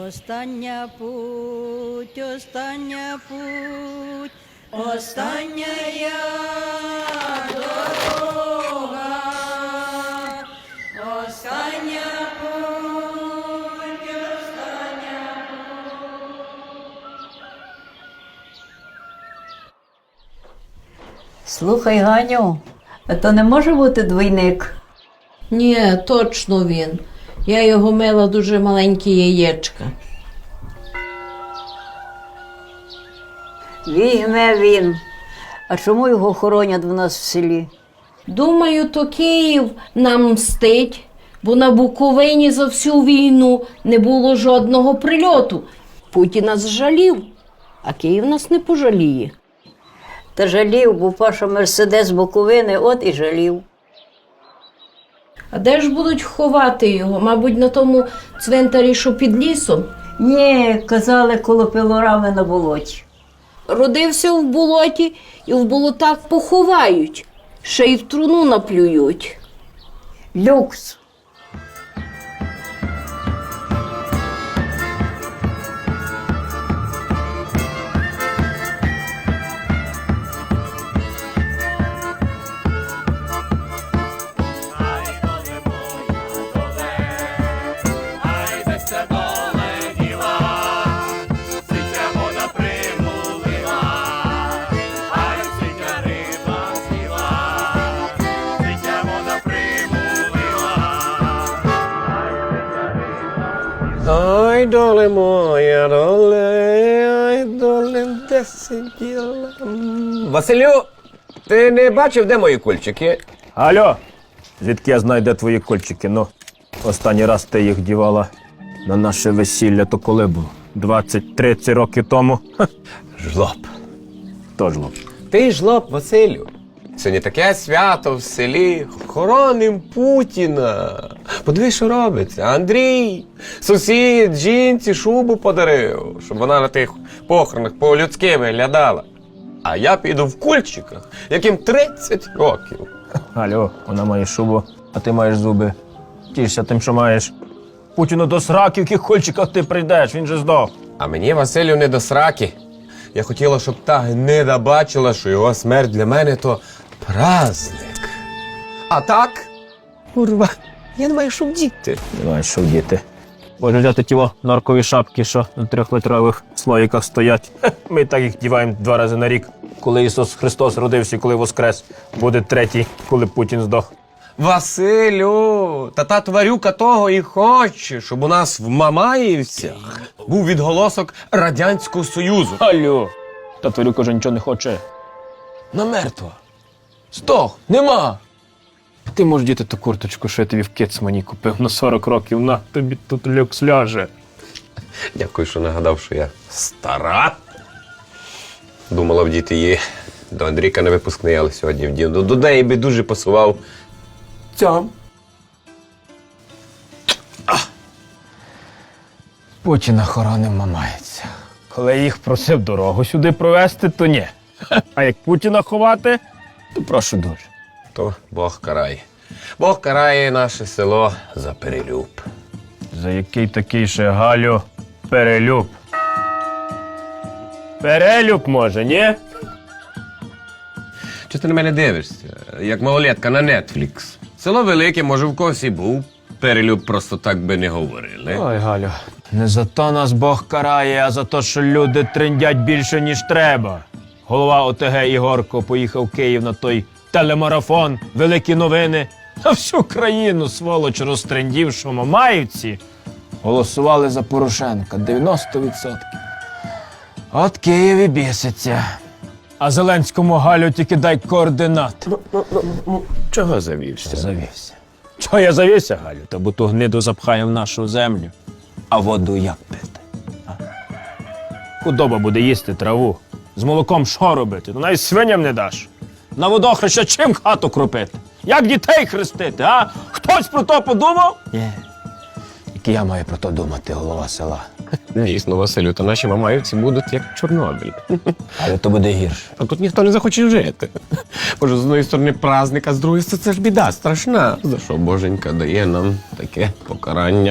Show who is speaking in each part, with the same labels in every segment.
Speaker 1: Остання путь, остання путь, остання дорога, остання путь, остання
Speaker 2: Слухай, Ганю, а то не може бути двійник?
Speaker 3: Ні, точно він. Я його мила дуже маленькі яєчка.
Speaker 2: Вігне він. А чому його хоронять в нас в селі?
Speaker 3: Думаю, то Київ нам мстить, бо на Буковині за всю війну не було жодного прильоту. Путін нас жалів, а Київ нас не пожаліє.
Speaker 2: Та жалів, бо Паша Мерседес Буковини, от і жалів.
Speaker 3: А де ж будуть ховати його? Мабуть, на тому цвинтарі, що під лісом?
Speaker 2: Ні, казали, коло пилорами на болоті.
Speaker 3: Родився в болоті і в болотах поховають, ще й в труну наплюють.
Speaker 2: Люкс.
Speaker 4: Ой, доле моя, ой, доле, де сиділа. Василю, ти не бачив, де мої кульчики?
Speaker 5: Алло, звідки я знаю, де твої кольчики? Ну, останній раз ти їх дівала на наше весілля, то коли було? 20-30 років тому? Ха,
Speaker 4: Жлоб.
Speaker 5: то жлоб.
Speaker 4: Ти жлоб, Василю. Сьогодні таке свято в селі. Хороним Путіна. Подивись, що робиться. Андрій, сусід, жінці шубу подарив, щоб вона на тих похоронах по-людськи виглядала. А я піду в кульчиках, яким 30 років.
Speaker 5: Алло, вона має шубу, а ти маєш зуби. Тішся тим, що маєш. Путіну до сраки, в яких кольчиках ти прийдеш, він же здох.
Speaker 4: А мені, Василю, не до сраки. Я хотіла, щоб та гнида бачила, що його смерть для мене то праздник. А так, курва, я не маю що вдіти.
Speaker 5: Не маєш що вдіти. Може взяти ті норкові шапки, що на 3-литрових слоїках стоять. Ми так їх діваємо 2 рази на рік. Коли Ісус Христос родився, коли воскрес. Буде 3-й, коли Путін здох.
Speaker 4: Василю, та тварюка того і хоче, щоб у нас в Мамаївцях був відголосок Радянського Союзу.
Speaker 5: Алло, та тварюка вже нічого не хоче.
Speaker 4: На мертва. Здох, нема.
Speaker 5: Ти можеш діти ту курточку, що я тобі в Кецмані купив на 40 років. На, тобі тут люкс ляже.
Speaker 4: Дякую, що нагадав, що я стара. Думала вдіти її до Андрійка на випускний, але сьогодні вдів. До неї би дуже пасував цьом.
Speaker 5: Путіна хороним Мамаївця. Коли я їх просив дорогу сюди провести, то ні. А як Путіна ховати, то прошу дуже.
Speaker 4: То Бог карає. Бог карає наше село за перелюб.
Speaker 5: За який такий ще, Галю, перелюб? Перелюб може, ні?
Speaker 4: Чи ти на мене дивишся, як малолетка на Netflix? Село велике, може, в когось і був. Перелюб просто так би не говорили.
Speaker 5: Ой, Галю, не за то нас Бог карає, а за те, що люди трендять більше, ніж треба. Голова ОТГ Ігорко поїхав в Київ на той телемарафон, великі новини. А всю країну, сволоч, розтрендів, що Мамаївці голосували за Порошенка 90%. От Київ і біситься. А Зеленському, Галю, тільки дай координати.
Speaker 4: Чого завівся?
Speaker 5: Завівся. Чого я завівся, Галю? Та бо ту гниду запхає в нашу землю. А воду як пити? А? Худоба буде їсти траву. З молоком що робити? Ну навіть свиням не даш. На водохреща чим хату кропити? Як дітей хрестити, а? Хтось про то подумав? Ні. Тільки я маю про то думати, голова села.
Speaker 4: Дійсно, Василю, та наші мамаївці будуть як Чорнобиль.
Speaker 5: Але то буде гірше.
Speaker 4: А тут ніхто не захоче жити. Боже, з одної сторони праздник, а з другої це ж біда страшна. За що Боженька дає нам таке покарання?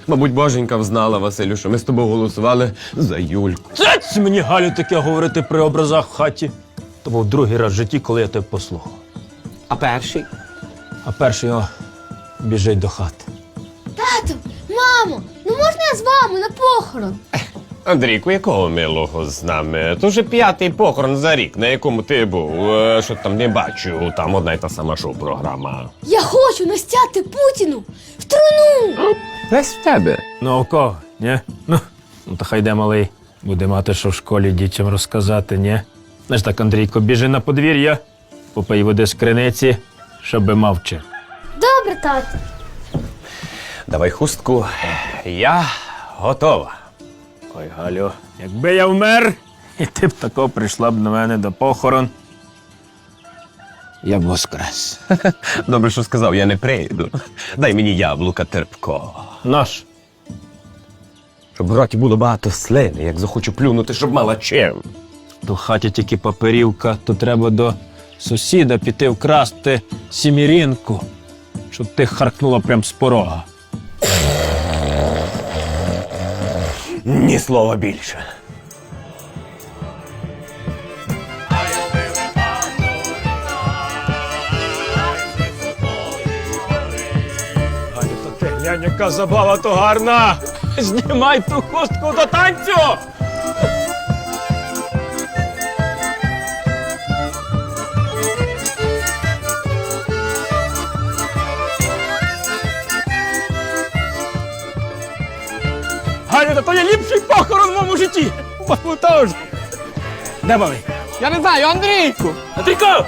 Speaker 4: Мабуть, боженька взнала, Василю, що ми з тобою голосували за Юльку.
Speaker 5: Цець мені, Галю, таке говорити при образах в хаті. То був другий раз в житті, коли я тебе послухав.
Speaker 4: А перший?
Speaker 5: А перший біжить до хати.
Speaker 6: Тату, мамо, ну можна я з вами на похорон?
Speaker 4: Андрійку, якого милого з нами? То вже 5-й похорон за рік, на якому ти був. Що там не бачу, там одна й та сама шоу-програма.
Speaker 6: Я хочу настяти Путіну в труну!
Speaker 4: Весь в тебе.
Speaker 5: Ну, у кого? Ні? Ну, то хай йде малий. Буде мати, що в школі дітям розказати, ні? Знаєш так, Андрійко, біжи на подвір'я, попий води з криниці, щоби мовчи.
Speaker 6: Добре, тату.
Speaker 4: Давай хустку. Я готова.
Speaker 5: Ой, Галю, якби я вмер, і ти б тако прийшла б на мене до похорон, я б воскрес.
Speaker 4: Добре, що сказав, я не прийду. Дай мені яблука терпкого.
Speaker 5: Наш.
Speaker 4: Щоб в роті було багато слини, як захочу плюнути, щоб мала чим.
Speaker 5: То в хаті тільки паперівка, то треба до сусіда піти вкрасти сімірінку, щоб ти харкнула прям з порога.
Speaker 4: Ні слова більше.
Speaker 5: Галю, то ти глянь, яка забава то гарна! Знімай ту хустку до танцю! Галю, то є ліпший похорон в моєму житті! Бабу теж! Де малий?
Speaker 4: Я не знаю, Андрійку!
Speaker 5: Андрійко!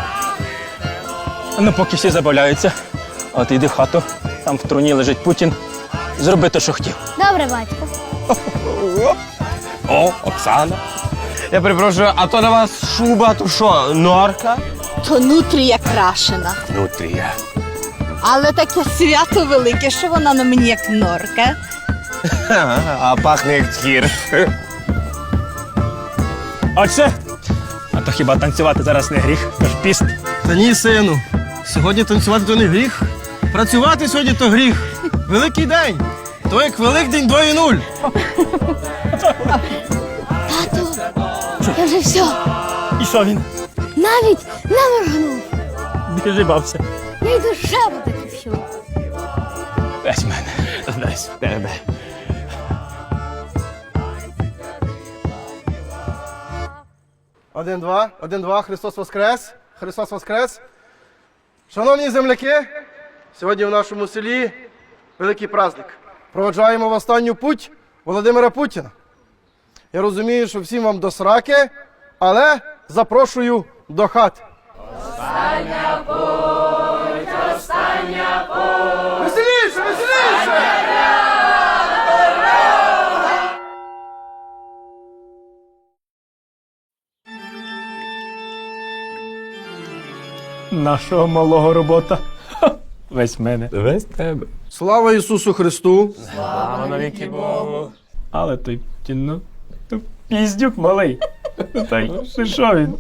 Speaker 5: Ну, поки всі забавляються, а ти йди в хату, там в труні лежить Путін. Зроби те, що хотів.
Speaker 6: Добре, батько.
Speaker 4: О, Оксана. Я перепрошую, а то на вас шуба, то що, норка?
Speaker 1: То нутрія крашена.
Speaker 4: Нутрія.
Speaker 1: Але таке свято велике, що вона на мені як норка.
Speaker 4: А пахне як тхір.
Speaker 5: Отче, а то хіба танцювати зараз не гріх? Тож піст.
Speaker 7: Та ні, сину. Сьогодні танцювати то не гріх. Працювати сьогодні то гріх. Великий день. То як Великдень 2.0.
Speaker 6: Тату, я вже все.
Speaker 5: І що він?
Speaker 6: Навіть не моргнув.
Speaker 5: Біжи, бався.
Speaker 6: Я й душе буде всю.
Speaker 5: Весь мене. Весь тебе.
Speaker 7: Один-два, один-два, Христос Воскрес! Христос Воскрес! Шановні земляки, сьогодні в нашому селі великий праздник. Проводжаємо в останню путь Володимира Путіна. Я розумію, що всім вам до сраки, але запрошую до хати. Остання путь, остання путь! Веселіше, веселіше!
Speaker 5: Нашого малого робота. Весь мене.
Speaker 4: Весь тебе.
Speaker 7: Слава Ісусу Христу!
Speaker 5: Але той Путін, ну, то піздюк малий. Та й що він?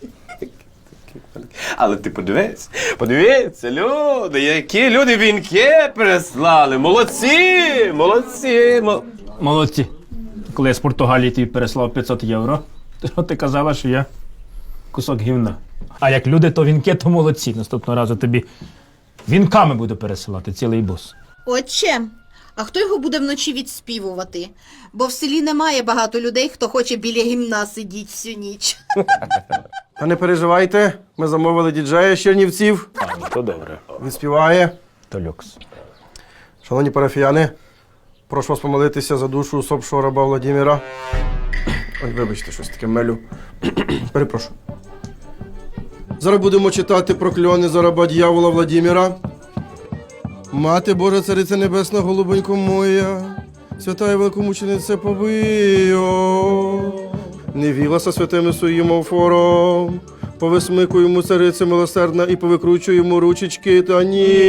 Speaker 4: Але ти подивіться, люди, які люди вінки прислали. Молодці, молодці.
Speaker 5: Молодці. Коли я з Португалії тобі переслав 500 євро, то ти казала, що я кусок гівна. А як люди, то вінки, то молодці. Наступного разу тобі вінками буду пересилати цілий бус.
Speaker 1: Отче, а хто його буде вночі відспівувати? Бо в селі немає багато людей, хто хоче біля гімна сидіти всю ніч.
Speaker 7: Та не переживайте, ми замовили діджея з Чернівців.
Speaker 5: То добре.
Speaker 7: Він співає.
Speaker 5: То люкс.
Speaker 7: Шановні парафіяни, прошу вас помолитися за душу усопшого раба Владимира. Ой, вибачте, щось таке мелю. Перепрошую. Зараз будемо читати прокльони за раба дьявола Владимира. Мати Божа, Цариця Небесна, голубонько моя, свята і великомучениця Повио, не вілася святими своїм офором, повисмикуй йому, цариця милосердна, і повикручуй йому ручечки та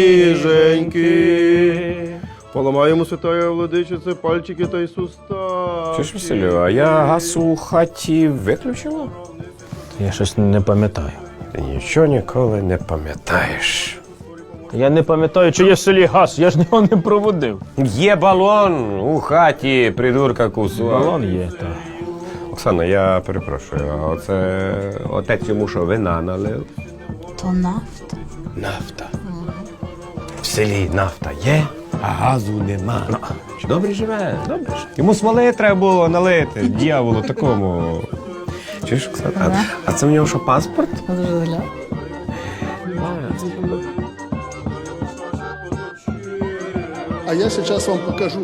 Speaker 7: ніженьки. Поламаємо, святая владичице, пальчики та й суставчики.
Speaker 4: Чуєш, Василю, а я газ у хаті виключила?
Speaker 5: Я щось не пам'ятаю.
Speaker 4: Ти нічого ніколи не пам'ятаєш.
Speaker 5: Я не пам'ятаю, чи є в селі газ, я ж його не проводив.
Speaker 4: Є балон у хаті, придурка кусу.
Speaker 5: Балон є, так.
Speaker 4: Оксана, я перепрошую, а оце отець йому що, вина налив?
Speaker 1: То нафта.
Speaker 4: Нафта. В селі нафта є, а газу нема. Добре живе, добре. Йому смоли треба було налити, дьяволу такому. Чуєш, Оксана? А це в нього що, паспорт?
Speaker 8: А я сейчас вам покажу.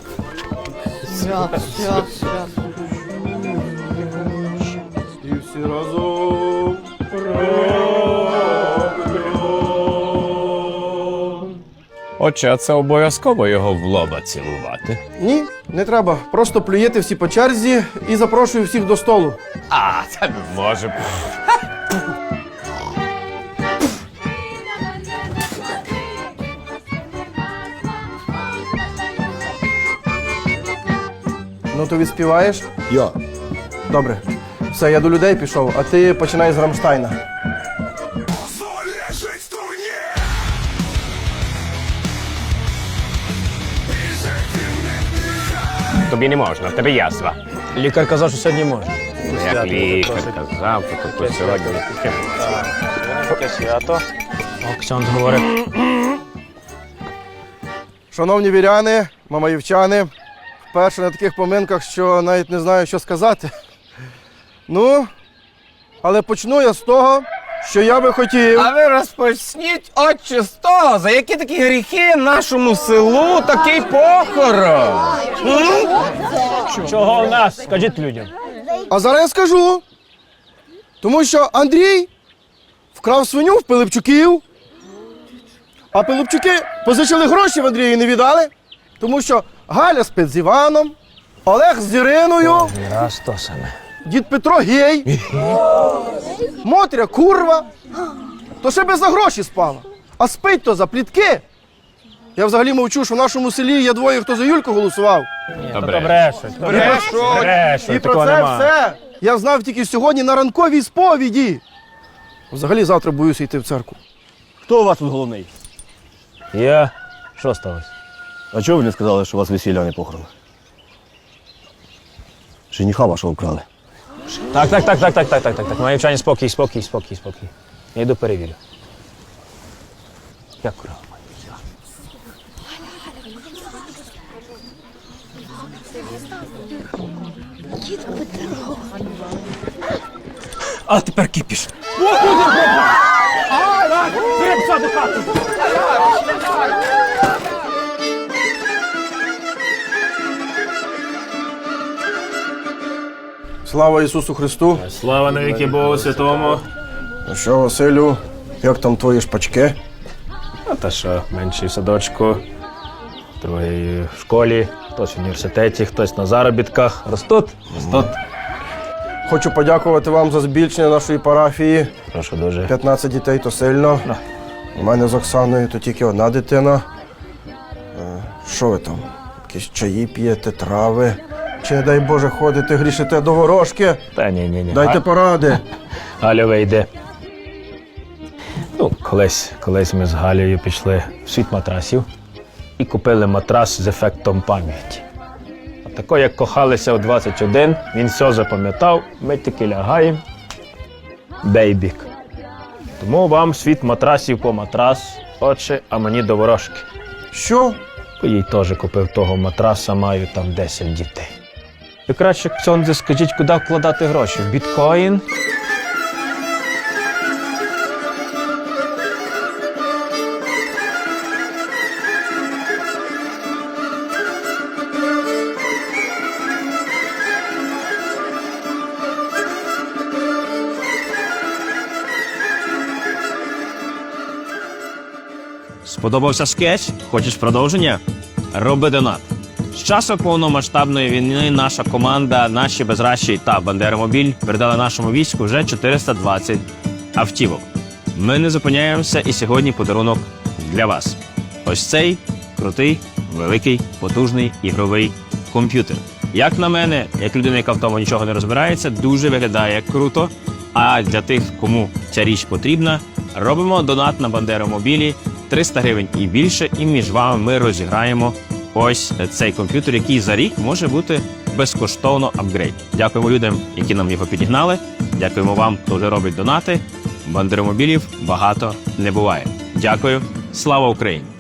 Speaker 7: І всі разом.
Speaker 5: Отче, а це обов'язково його в лоба цілувати.
Speaker 7: Ні, не треба. Просто плюєте всі по черзі і запрошую всіх до столу.
Speaker 4: А, це не може.
Speaker 7: Ну то відспіваєш?
Speaker 8: Я.
Speaker 7: Добре. Все, я до людей пішов, а ти починай з Рамштайна.
Speaker 4: Тобі не можна, в тебе язва.
Speaker 5: Лікар казав, що сьогодні можна.
Speaker 4: Як лікар казав, то сьогодні.
Speaker 5: Таке свято. Оксян говорить.
Speaker 7: Шановні віряни, мамаївчани, вперше на таких поминках, що навіть не знаю, що сказати. Ну, але почну я з того, що я би хотів.
Speaker 4: А ви розпочніть, отче, з того, за які такі гріхи нашому селу такий похорон.
Speaker 5: Чого в нас? Скажіть людям.
Speaker 7: А зараз я скажу. Тому що Андрій вкрав свиню в Пилипчуків, а Пилипчуки позичили гроші в Андрія і не віддали, тому що Галя спить з Іваном, Олег з Іриною,
Speaker 5: Раз то саме.
Speaker 7: дід Петро гей, Мотря курва, то ще би за гроші спала, а спить то за плітки. Я взагалі мовчу, що в нашому селі є двоє, хто за Юльку голосував.
Speaker 5: Добре.
Speaker 7: І про це все я знав тільки сьогодні на ранковій сповіді. Взагалі завтра боюся йти в церкву.
Speaker 9: Хто у вас тут головний?
Speaker 5: Я. Що сталося?
Speaker 9: А чого ви не сказали, що у вас весілля, а не похорон? Жениха вашого вкрали.
Speaker 5: Так. Маївчані, спокій. Я йду перевірю. Як кров? А тепер кипіш.
Speaker 7: Слава Ісусу Христу!
Speaker 5: Слава навіки Богу Святому.
Speaker 7: Ну що, Василю, як там твої шпачки?
Speaker 5: А та що, менший в садочку, другий в школі, хтось в університеті, хтось на заробітках. Ростуть.
Speaker 7: Хочу подякувати вам за збільшення нашої парафії.
Speaker 5: Прошу дуже.
Speaker 7: 15 дітей то сильно. У мене з Оксаною то тільки одна дитина. Що ви там? Якісь чаї п'єте, трави? Чи, не дай Боже, ходите, грішите до ворожки?
Speaker 5: Та ні.
Speaker 7: Дайте поради.
Speaker 5: Галя вийде. Ну, колись ми з Галею пішли в світ матрасів і купили матрас з ефектом пам'яті. А тако, як кохалися у 21, він все запам'ятав, ми тільки лягаємо, бейбік. Тому вам світ матрасів по матрас, отче, а мені до ворожки.
Speaker 7: Що?
Speaker 5: Бо їй теж купив того матраса, маю там 10 дітей. Ви краще, ксьондзе, скажіть, куди вкладати гроші? В біткоін?
Speaker 10: Сподобався скетч? Хочеш продовження? Роби донат. З часу повномасштабної війни наша команда, наші безращі та Бандеромобіль передали нашому війську вже 420 автівок. Ми не зупиняємося, і сьогодні подарунок для вас. Ось цей крутий, великий, потужний ігровий комп'ютер. Як на мене, як людина, яка в тому нічого не розбирається, дуже виглядає круто. А для тих, кому ця річ потрібна, робимо донат на Бандеромобілі 300 гривень і більше, і між вами ми розіграємо ось цей комп'ютер, який за рік може бути безкоштовно апгрейд. Дякуємо людям, які нам його підігнали. Дякуємо вам, хто вже робить донати. Бандеромобілів багато не буває. Дякую. Слава Україні!